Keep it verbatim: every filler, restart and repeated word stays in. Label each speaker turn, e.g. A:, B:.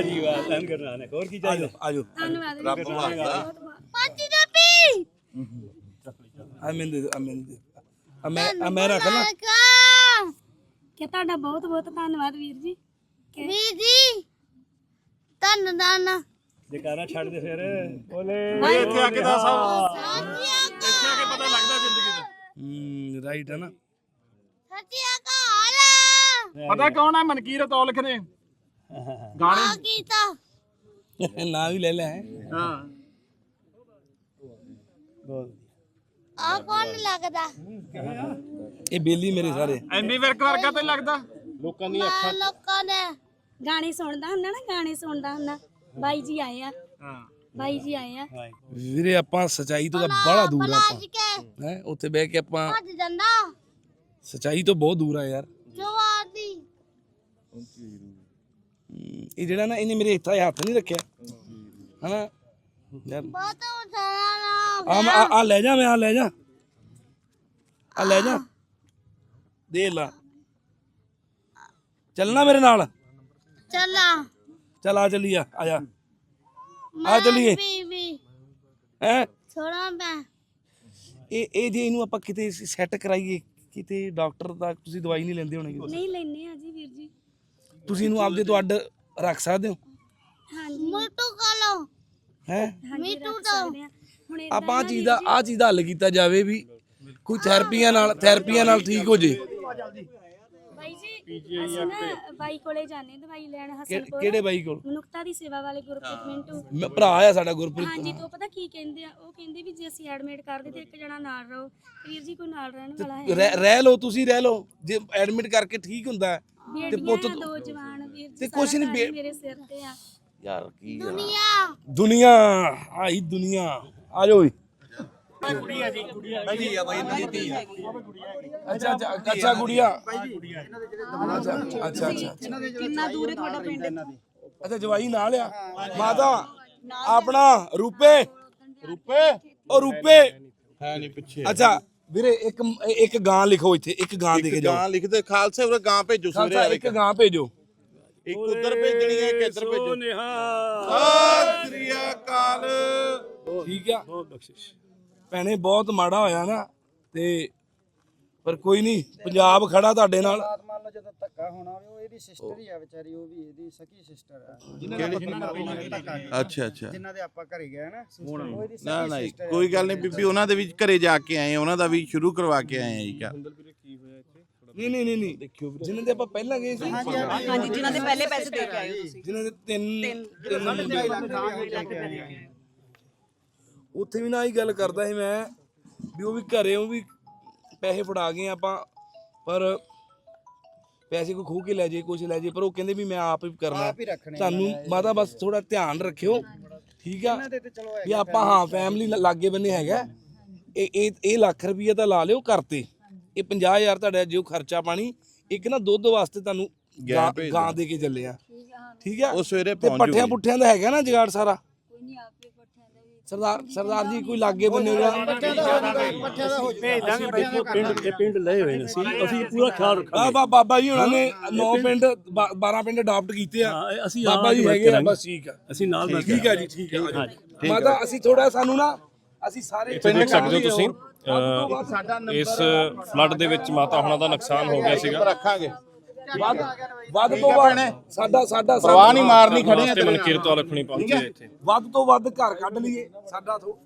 A: ਜੀ ਵਾਹ ਧੰਨ ਗੁਰੂ ਨਾਨਕ। ਹੋਰ ਕੀ ਚਾਹੀਦਾ?
B: ਆਜੋ
C: ਧੰਨਵਾਦ
B: ਰੱਬ ਵਾਸਤਾ
C: ਪਾਜੀ ਦਾ ਪੀ
B: ਆ ਮੈਨੂੰ ਦੇ ਆ ਮੈਨੂੰ ਦੇ ਆ ਮੈਂ ਆ ਮੈਂ ਰੱਖ ਲਾਂ
C: ਕਿ ਤੁਹਾਡਾ ਬਹੁਤ ਬਹੁਤ ਧੰਨਵਾਦ ਵੀਰ ਜੀ। ਵੀਰ ਜੀ ਧੰਨਵਾਦ।
A: ਜਕਾਰਾ ਛੱਡ ਦੇ ਫਿਰ ਬੋਲੇ
D: ਇੱਥੇ ਆ ਕੇ ਦੱਸ
C: ਸਤਿਆ
D: ਇੱਥੇ ਆ ਕੇ ਪਤਾ ਲੱਗਦਾ ਜ਼ਿੰਦਗੀ ਦਾ।
B: ਹੂੰ ਰਾਈਟ ਹੈ ਨਾ।
C: ਸਤਿਆ ਕਾਲ
D: ਪਤਾ ਕੌਣ ਹੈ? ਮਨਕੀਰਤ ਔਲਖ ਨੇ ਗਾਣੇ
C: ਆ ਕੀਤਾ
B: ਨਾ ਵੀ ਲੈ ਲੈ
D: ਹਾਂ
C: ਆ ਕੌਣ ਲੱਗਦਾ?
B: ਇਹ ਬੇਲੀ ਮੇਰੇ ਸਾਰੇ
D: ਐਮੀ ਵਿਰਕ ਵਰਗਾ ਤੇ ਲੱਗਦਾ।
A: ਲੋਕਾਂ ਦੀ
C: ਮੈਂ ਲੋਕਾਂ ਨੇ ਗਾਣੇ ਸੁਣਦਾ ਹੁੰਦਾ ਨਾ, ਗਾਣੇ ਸੁਣਦਾ ਹੁੰਦਾ। ਬਾਈ ਜੀ ਆਏ ਆ,
D: ਹਾਂ
C: ਬਾਈ ਜੀ ਆਏ ਆ।
B: ਵੀਰੇ ਆਪਾਂ ਸਚਾਈ ਤੋਂ ਤਾਂ ਬੜਾ ਦੂਰ ਆ
C: ਭੱਜ
B: ਆਪਾਂ
C: ਕੇ
B: ਹੈ ਉੱਥੇ ਬਹਿ ਕੇ ਆਪਾਂ
C: ਭੱਜ ਜਾਂਦਾ
B: ਸਚਾਈ ਤੋਂ ਬਹੁਤ ਦੂਰ ਆ ਯਾਰ।
C: ਜਵਾਰ ਦੀ
B: ਹਮ, ਇਹ ਜਿਹੜਾ ਨਾ ਇਹਨੇ ਮੇਰੇ ਇੱਥੇ ਹੱਥ ਨਹੀਂ ਰੱਖਿਆ ਹਨਾ ਯਾਰ।
C: ਬਹੁਤ ਉਠਾਣਾ ਨਾ
B: ਆ ਆ- ਆ ਲੈ ਜਾ ਮੈਂ ਆ ਲੈ ਜਾ ਆ ਲੈ ਜਾ ਦੇ ਲਾ ਚੱਲਣਾ ਮੇਰੇ ਨਾਲ।
C: ਚੱਲਾ
B: ਚੱਲ ਆ ਚੱਲੀਏ ਆ ਜਾ ਆ ਚੱਲੀਏ
C: ਬੀਬੀ
B: ਹੈ।
C: ਥੋੜਾ ਮੈਂ
B: ਇਹ ਇਹ ਜੇ ਇਹਨੂੰ ਆਪਾਂ ਕਿਤੇ ਸੈੱਟ ਕਰਾਈਏ ਕਿਤੇ ਡਾਕਟਰ ਦਾ ਤੁਸੀਂ ਦਵਾਈ ਨਹੀਂ ਲੈਂਦੇ ਹੋਣੇ ਕਿਤੇ?
C: ਨਹੀਂ ਲੈਨੇ ਆ ਜੀ ਵੀਰ ਜੀ।
B: ਤੁਸੀਂ ਇਹਨੂੰ ਆਪਦੇ ਤੋਂ ਅੱਡ ਰੱਖ ਸਕਦੇ ਹੋ
C: ਹਾਂਜੀ ਮੋਟੂ ਕਾਲੋ
B: ਹੈ।
C: ਮੀਟੂ ਤੋਂ ਹੁਣ ਏਦਾਂ
B: ਆਪਾਂ ਆਹ ਚੀਜ਼ ਦਾ ਆਹ ਚੀਜ਼ ਦਾ ਹੱਲ ਕੀਤਾ ਜਾਵੇ ਵੀ ਕੋਈ ਥੈਰੇਪੀਆਂ ਨਾਲ ਥੈਰੇਪੀਆਂ ਨਾਲ ਠੀਕ ਹੋ ਜੇ।
C: ਬਾਈ ਜੀ ਅਸੀਂ ਨਾ ਬਾਈ ਕੋਲੇ ਜਾਣੇ ਦਵਾਈ ਲੈਣ
B: ਕਿ-
C: ਹਸਨਪੁਰ
B: ਕਿਹੜੇ ਬਾਈ ਕੋਲ?
C: ਮਨੁੱਖਤਾ ਦੀ ਸੇਵਾ ਵਾਲੇ ਗੁਰਪ੍ਰੀਤ ਮਿੰਟੂ।
B: ਮੈਂ ਭਰਾ ਆ ਸਾਡਾ ਗੁਰਪ੍ਰੀਤ।
C: ਹਾਂਜੀ ਤੋਂ ਪਤਾ ਕੀ ਕਹਿੰਦੇ ਆ? ਉਹ ਕਹਿੰਦੇ ਵੀ ਜੇ ਅਸੀਂ ਐਡਮਿਟ ਕਰਦੇ ਤੇ ਇੱਕ ਜਣਾ ਨਾਲ ਰਹੋ। ਵੀਰ ਜੀ ਕੋਈ ਨਾਲ ਰਹਿਣ ਵਾਲਾ ਹੈ
B: ਰਹਿ ਰਹਿ ਲਓ ਤੁਸੀਂ ਰਹਿ ਲਓ ਜੇ ਐਡਮਿਟ ਕਰਕੇ ਠੀਕ ਹੁੰਦਾ ਹੈ ਤੇ
C: ਬੇਟੀਆਂ
B: ਪੁੱਤ
C: ਦੋ ਜਵਾਨ ਵੀਰ ਜੀ
B: ਤੇ ਕੁਛ
C: ਸਾਰਾ
B: ਨਹੀਂ
C: ਘਰ ਮੇਰੇ ਸਿਰ ਤੇ ਆ।
B: ਯਾਰ ਕੀ
C: ਦੁਨੀਆ
B: ਦੁਨੀਆ ਆਈ ਦੁਨੀਆ ਆ ਜਾਓ ਓਏ। ਅੱਛਾ ਅੱਛਾ ਅੱਛਾ ਗੁੜੀਆ ਅੱਛਾ ਅੱਛਾ ਅੱਛਾ
E: ਕਿੰਨਾ ਦੂਰ ਹੈ ਤੁਹਾਡਾ ਪਿੰਡ?
B: ਅੱਛਾ ਜਵਾਈ ਨਾਲ ਆ ਮਾਤਾ ਆਪਣਾ ਰੂਪੇ
D: ਰੁਪਏ
B: ਉਹ ਰੂਪੇ
D: ਹੈ ਨਹੀਂ ਪਿੱਛੇ
B: ਅੱਛਾ ਵੀਰੇ ਇੱਕ ਇੱਕ ਗਾਂ ਲਿਖੋ ਇੱਥੇ ਇੱਕ ਗਾਂ ਦੇ ਕੇ ਜਾਓ।
D: ਗਾਂ ਲਿਖਦੇ ਖਾਲਸੇ ਉਰੇ ਗਾਂ ਭੇਜੋ
B: ਖਾਲਸਾ ਇੱਕ ਗਾਂ ਭੇਜੋ।
D: ਇੱਕ ਉਧਰ ਭੇਜਣੀ ਹੈ ਇੱਕ ਇੱਧਰ ਭੇਜੋ। ਸਤਿ ਸ੍ਰੀ ਅਕਾਲ।
B: ਠੀਕ ਆ ਭੈਣੇ ਬਹੁਤ ਮਾੜਾ ਹੋਇਆ ਨਾ ਤੇ ਪਰ ਕੋਈ ਨਹੀਂ ਪੰਜਾਬ ਖੜਾ ਤੁਹਾਡੇ ਨਾਲ।
F: ਮੰਨ ਲਓ ਜਦੋਂ ਧੱਕਾ ਹੋਣਾ ਹੋਵੇ ਉਹ ਇਹਦੀ ਸਿਸਟਰ ਹੀ ਆ ਵਿਚਾਰੀ, ਉਹ ਵੀ ਇਹਦੀ ਸਕੀ ਸਿਸਟਰ ਆ ਜਿਨ੍ਹਾਂ
D: ਅੱਛਾ ਅੱਛਾ
F: ਜਿਨ੍ਹਾਂ ਦੇ ਆਪਾਂ ਘਰੇ ਗਏ ਨਾ ਉਹ ਇਹਦੀ
D: ਨਾ
F: ਸਕੀ
D: ਨਾ
F: ਸਿਸਟਰ
D: ਕੋਈ ਗੱਲ ਨਹੀਂ ਬੀਬੀ, ਉਹਨਾਂ ਦੇ ਵੀ ਘਰੇ ਜਾ ਕੇ ਆਏ, ਉਹਨਾਂ ਦਾ ਵੀ ਸ਼ੁਰੂ ਕਰਵਾ ਕੇ ਆਏ ਆ ਜੀ ਕਾ
B: ਨਹੀਂ ਨਹੀਂ ਨਹੀਂ ਨਹੀਂ ਦੇਖਿਓ ਜਿਨ੍ਹਾਂ ਦੇ ਆਪਾਂ ਪਹਿਲਾਂ ਗਏ ਸੀ
E: ਹਾਂਜੀ ਜਿਨ੍ਹਾਂ ਦੇ ਪਹਿਲੇ ਪੈਸੇ ਦੇ ਕੇ ਆਏ ਹੋ ਤੁਸੀਂ।
B: ਜਿਨ੍ਹਾਂ ਦੇ ਤਿੰਨ ਤਿੰਨ ਮੁੰਡੇ ਉੱਥੇ ਵੀ ਨਾ ਹੀ ਗੱਲ ਕਰਦਾ ਸੀ ਮੈਂ ਵੀ ਉਹ ਵੀ ਘਰੇ ਉਹ ਵੀ ਪੈਸੇ ਫੜਾ ਗਏ ਆਪਾਂ ਪਰ ਪੈਸੇ ਕੋਈ ਖੋਹ ਕੇ ਲੈ ਜੇ ਕੁਛ ਲੈ ਜੇ ਪਰ ਉਹ ਕਹਿੰਦੇ ਵੀ ਮੈਂ ਆਪ ਹੀ ਕਰਨਾ
F: ਆਪ ਹੀ ਰੱਖਣੇ
B: ਤੁਹਾਨੂੰ ਮਾਤਾ ਬਸ ਥੋੜਾ ਧਿਆਨ ਰੱਖਿਓ ਠੀਕ ਆ
F: ਦੇ ਤੇ ਚਲੋ
B: ਵੀ ਆਪਾਂ ਹਾਂ ਫੈਮਿਲੀ ਲਾਗੇ ਬੰਨੇ ਹੈਗਾ ਇਹ ਇਹ ਇਹ ਲੱਖ ਰੁਪਈਆ ਤਾਂ ਲਾ ਲਿਓ ਕਰਤੇ ਇਹ ਪੰਜਾਹ ਹਜ਼ਾਰ ਤੁਹਾਡਾ ਜੋ ਖਰਚਾ ਪਾਣੀ ਇੱਕ ਨਾ ਦੁੱਧ ਵਾਸਤੇ ਤੁਹਾਨੂੰ ਗਾਂ ਗਾਂ ਦੇ ਕੇ ਚੱਲੇ ਆ ਠੀਕ ਆ
D: ਉਹ ਸਵੇਰੇ
B: ਤੇ
D: ਪਹੁੰਚ
B: ਪੱਠਿਆਂ
D: ਜੂਗੀ।
B: ਪੁੱਠਿਆਂ ਦਾ ਹੈਗਾ ਨਾ ਜਗਾੜ ਸਾਰਾ ਸਰਦਾਰ ਸਰਦਾਰ ਜੀ ਕੋਈ ਲਾਗੇ ਬੰਨੇ
F: ਪੱਠਿਆਂ ਦਾ ਹੋ
A: ਭੇਜ ਦਾਂਗੇ ਦੇਖੋ ਪਿੰਡ ਦੇ ਪਿੰਡ ਲਏ ਹੋਏ ਨੇ ਅਸੀਂ ਅਸੀਂ ਪੂਰਾ ਖਿਆਲ
B: ਆ
A: ਰੱਖਾਂਗੇ।
B: ਬਾ- ਬਾਬਾ ਜੀ ਉਹਨਾਂ ਨੇ ਨੌ ਪਿੰਡ ਬਾ- ਬਾਰਾਂ ਪਿੰਡ ਅਡਾਪਟ ਕੀਤੇ ਆ
A: ਹਾਂ, ਇਹ ਅਸੀਂ
B: ਬਾਬਾ ਜੀ
A: ਨਾਲ
B: ਹੈਗੇ ਆ
A: ਕਰਾਂਗੇ।
B: ਬਸ ਠੀਕ ਆ
A: ਅਸੀਂ ਨਾਲ ਮਿਲ ਕੇ
B: ਠੀਕ ਆ ਜੀ ਠੀਕ ਆ
A: ਹਾਂਜੀ।
B: ਮਾਤਾ ਅਸੀਂ ਥੋੜਾ ਸਾਨੂੰ ਨਾ ਅਸੀਂ ਸਾਰੇ
G: ਇੱਥੇ ਦੇਖ ਸਕਦੇ ਹੋ ਤੁਸੀਂ ਅਹ, ਇਸ ਫਲੱਡ ਦੇ ਵਿੱਚ ਮਾਤਾ ਹੁਣਾਂ ਦਾ ਨੁਕਸਾਨ ਹੋ ਗਿਆ ਸੀਗਾ।
D: ਰੱਖਾਂਗੇ
B: ਵੱਧ ਵੱਧ ਤੋਂ ਵੱਧ ਸਾਡਾ ਸਾਡਾ
D: ਪ੍ਰਵਾਹ ਨਹੀਂ ਮਾਰਨੀ, ਖੜੇ ਆ
G: ਵਾਸਤੇ ਮਨਕੀਰਤ ਔਲਖ ਨਹੀਂ ਪਹੁੰਚੇ ਇੱਥੇ।
B: ਵੱਧ ਤੋਂ ਵੱਧ ਘਰ ਕੱਢ ਲਈਏ ਸਾਡਾ ਥੋ-